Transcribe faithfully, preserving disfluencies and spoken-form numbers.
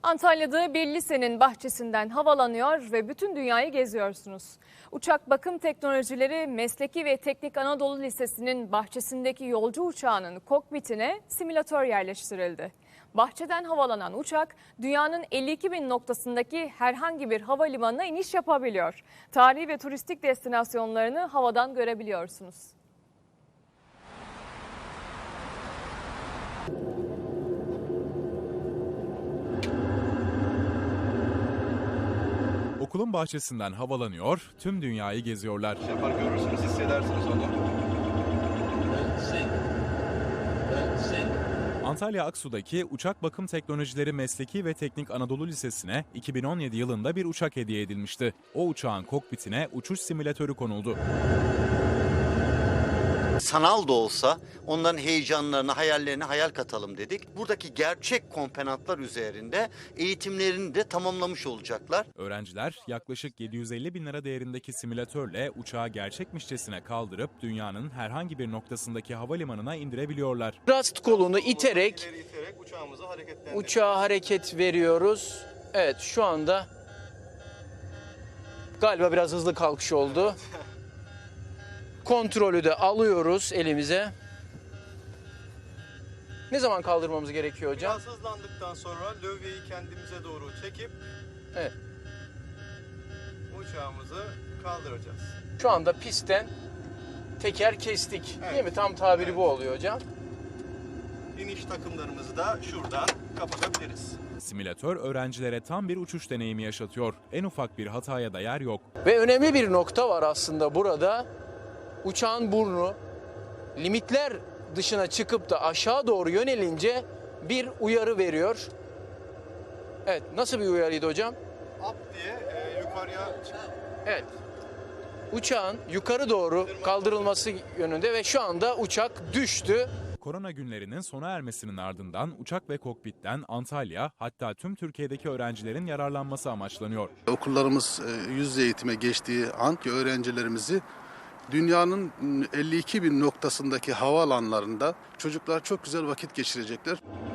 Antalya'da bir lisenin bahçesinden havalanıyor ve bütün dünyayı geziyorsunuz. Uçak Bakım Teknolojileri Mesleki ve Teknik Anadolu Lisesi'nin bahçesindeki yolcu uçağının kokpitine simülatör yerleştirildi. Bahçeden havalanan uçak dünyanın elli iki bin noktasındaki herhangi bir havalimanına iniş yapabiliyor. Tarihi ve turistik destinasyonlarını havadan görebiliyorsunuz. Okulun bahçesinden havalanıyor, tüm dünyayı geziyorlar. Yapar görürsünüz, hissedersiniz onu. Antalya Aksu'daki Uçak Bakım Teknolojileri Mesleki ve Teknik Anadolu Lisesi'ne iki bin on yedi yılında bir uçak hediye edilmişti. O uçağın kokpitine uçuş simülatörü konuldu. Sanal da olsa onların heyecanlarını, hayallerini hayal katalım dedik. Buradaki gerçek komponentler üzerinde eğitimlerini de tamamlamış olacaklar. Öğrenciler yaklaşık yedi yüz elli bin lira değerindeki simülatörle uçağı gerçekmişçesine kaldırıp dünyanın herhangi bir noktasındaki havalimanına indirebiliyorlar. Rast kolunu iterek, İleri iterek uçağımızı hareketlendiriyoruz. uçağa hareket veriyoruz. Evet, şu anda galiba biraz hızlı kalkış oldu. Kontrolü de alıyoruz elimize. Ne zaman kaldırmamız gerekiyor hocam? Biraz hızlandıktan sonra lövyeyi kendimize doğru çekip Evet. uçağımızı kaldıracağız. Şu anda pistten teker kestik. Evet. Değil mi? Tam tabiri Evet. bu oluyor hocam. İniş takımlarımızı da şuradan kapatabiliriz. Simülatör öğrencilere tam bir uçuş deneyimi yaşatıyor. En ufak bir hataya da yer yok. Ve önemli bir nokta var aslında burada. Uçağın burnu limitler dışına çıkıp da aşağı doğru yönelince bir uyarı veriyor. Evet, nasıl bir uyarıydı hocam? Up diye e, yukarıya çık. Evet. Uçağın yukarı doğru kaldırılması yönünde ve şu anda uçak düştü. Korona günlerinin sona ermesinin ardından uçak ve kokpitten Antalya, hatta tüm Türkiye'deki öğrencilerin yararlanması amaçlanıyor. Okullarımız yüz yüze eğitime geçtiği an ki öğrencilerimizi dünyanın elli iki bin noktasındaki havaalanlarında çocuklar çok güzel vakit geçirecekler.